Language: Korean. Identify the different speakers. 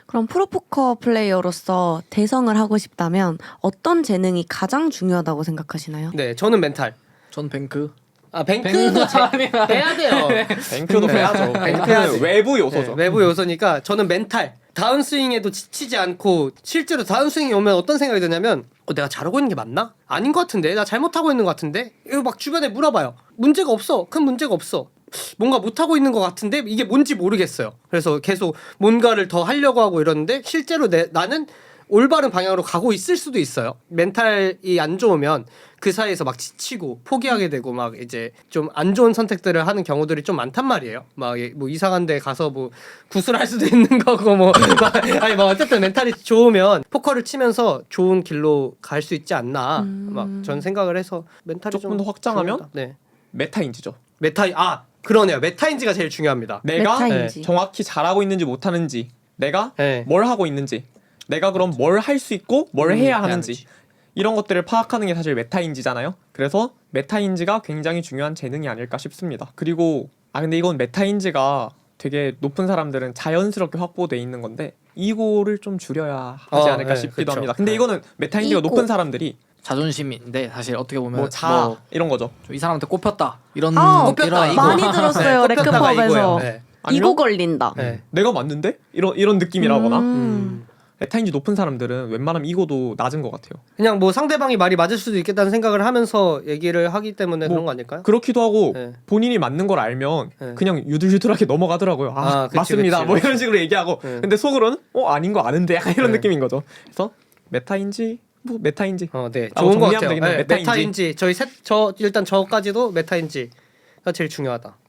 Speaker 1: 그럼 프로포커 플레이어로서 대성을 하고 싶다면 어떤 재능이 가장 중요하다고 생각하시나요?
Speaker 2: 네, 저는 멘탈.
Speaker 3: 전 뱅크.
Speaker 2: 아, 뱅크도 해야 돼요.
Speaker 4: 뱅크도 빼야죠. 뱅크는 외부 요소죠.
Speaker 2: 네, 외부 요소니까 저는 멘탈. 다운스윙에도 지치지 않고 실제로 다운스윙이 오면 어떤 생각이 드냐면 내가 잘하고 있는 게 맞나? 아닌 것 같은데? 나 잘못하고 있는 것 같은데? 이거 막 주변에 물어봐요. 문제가 없어. 큰 문제가 없어. 뭔가 못하고 있는 것 같은데 이게 뭔지 모르겠어요. 그래서 계속 뭔가를 더 하려고 하고 이러는데 실제로 나는 올바른 방향으로 가고 있을 수도 있어요. 멘탈이 안 좋으면 그 사이에서 막 지치고 포기하게 되고 막 이제 좀 안 좋은 선택들을 하는 경우들이 좀 많단 말이에요. 막 뭐 이상한 데 가서 뭐 구슬할 수도 있는 거고 뭐 아니 뭐 어쨌든 멘탈이 좋으면 포커를 치면서 좋은 길로 갈 수 있지 않나 막 전 생각을 해서 멘탈이
Speaker 4: 조금
Speaker 2: 좀
Speaker 4: 더 확장하면
Speaker 2: 중요하다. 네.
Speaker 4: 메타인지죠.
Speaker 2: 그러네요. 메타인지가 제일 중요합니다.
Speaker 4: 내가
Speaker 1: 메타인지.
Speaker 4: 정확히 잘하고 있는지 못하는지, 내가
Speaker 2: 네.
Speaker 4: 뭘 하고 있는지, 내가 그럼 뭘 할 수 있고 뭘 해야 하는지
Speaker 3: 해야지.
Speaker 4: 이런 것들을 파악하는 게 사실 메타인지잖아요. 그래서 메타인지가 굉장히 중요한 재능이 아닐까 싶습니다. 그리고 근데 이건 메타인지가 되게 높은 사람들은 자연스럽게 확보돼 있는 건데 이거를 좀 줄여야 하지 않을까
Speaker 2: 네,
Speaker 4: 싶기도
Speaker 2: 그쵸.
Speaker 4: 합니다. 근데 이거는 메타인지가
Speaker 1: 이고.
Speaker 4: 높은 사람들이
Speaker 3: 자존심인데 사실 어떻게 보면
Speaker 4: 뭐 자 이런 거죠.
Speaker 3: 이 사람한테 꼽혔다 이런
Speaker 2: 꼽혔다,
Speaker 3: 이런
Speaker 2: 이거.
Speaker 1: 많이 들었어요.
Speaker 2: 네, 꼽혔다가
Speaker 1: 레크팝에서
Speaker 2: 이거예요. 네.
Speaker 1: 이거 걸린다.
Speaker 2: 네.
Speaker 4: 내가 맞는데? 이런 느낌이라거나
Speaker 1: 음.
Speaker 4: 메타인지 높은 사람들은 웬만하면 이거도 낮은 것 같아요.
Speaker 2: 그냥 뭐 상대방이 말이 맞을 수도 있겠다는 생각을 하면서 얘기를 하기 때문에
Speaker 4: 뭐
Speaker 2: 그런 거 아닐까요?
Speaker 4: 그렇기도 하고
Speaker 2: 네.
Speaker 4: 본인이 맞는 걸 알면
Speaker 2: 네.
Speaker 4: 그냥 유들유들하게 넘어가더라고요.
Speaker 2: 그치,
Speaker 4: 맞습니다.
Speaker 2: 그치.
Speaker 4: 뭐 이런 식으로 얘기하고
Speaker 2: 네.
Speaker 4: 근데 속으로는 아닌 거 아는데 약간 이런
Speaker 2: 네.
Speaker 4: 느낌인 거죠. 그래서 메타인지 뭐 메타인지
Speaker 2: 네.
Speaker 4: 뭐
Speaker 2: 좋은 거
Speaker 4: 정리하면
Speaker 2: 같아요.
Speaker 4: 되겠네요.
Speaker 2: 네,
Speaker 4: 메타인지.
Speaker 2: 메타인지. 일단 저까지도 메타인지가 제일 중요하다.